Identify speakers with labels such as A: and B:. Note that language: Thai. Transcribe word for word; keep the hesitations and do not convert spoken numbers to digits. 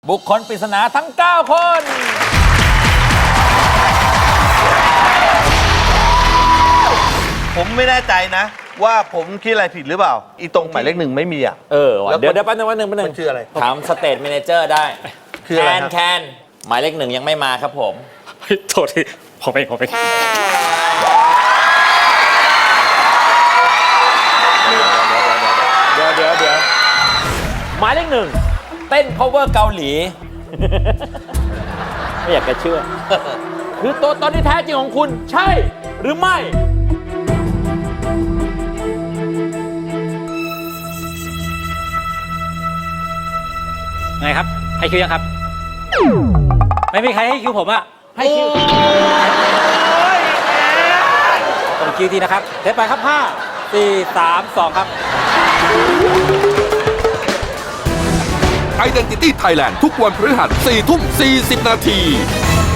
A: บุคคลปริศนาทั้งเก้าคน
B: ผมไม่แน่ใจนะ ว่าผมคิดอะไรผิดหรือเปล่า อีตรงหมายเลขหนึ่งไม่มีอ่ะ
A: เออว่ะเดี๋ยวเดี๋ยวแป๊บนึงแป๊บนึงแป๊บนึง
B: มันชื่ออะไร
A: ถามสเตทแมเนเจอร์ได้
B: คืออะไร
A: แคน
B: ครับ
A: แคนหมายเลขหนึ่งยังไม่มาครับผม
C: โทษทีผมเองผมเอง
A: เดี๋ยวเดี๋ยวเดี๋ยวหมายเลขหนึ่งเต้น cover เกาหลี ไม่อยากจะเชื่อ คือตัวตนที่แท้จริงของคุณใช่หรือไม่
C: ไงครับให้คิวยังครับ ไม่มีใครให้คิวผมอะ
A: ให้คิว
C: ผมคิวทีนะครับเทปไปครับห้า สี่ สาม สองครับ
D: Identity Thailand ทุกวันพฤหัสสี่ทุ่มสี่สิบนาที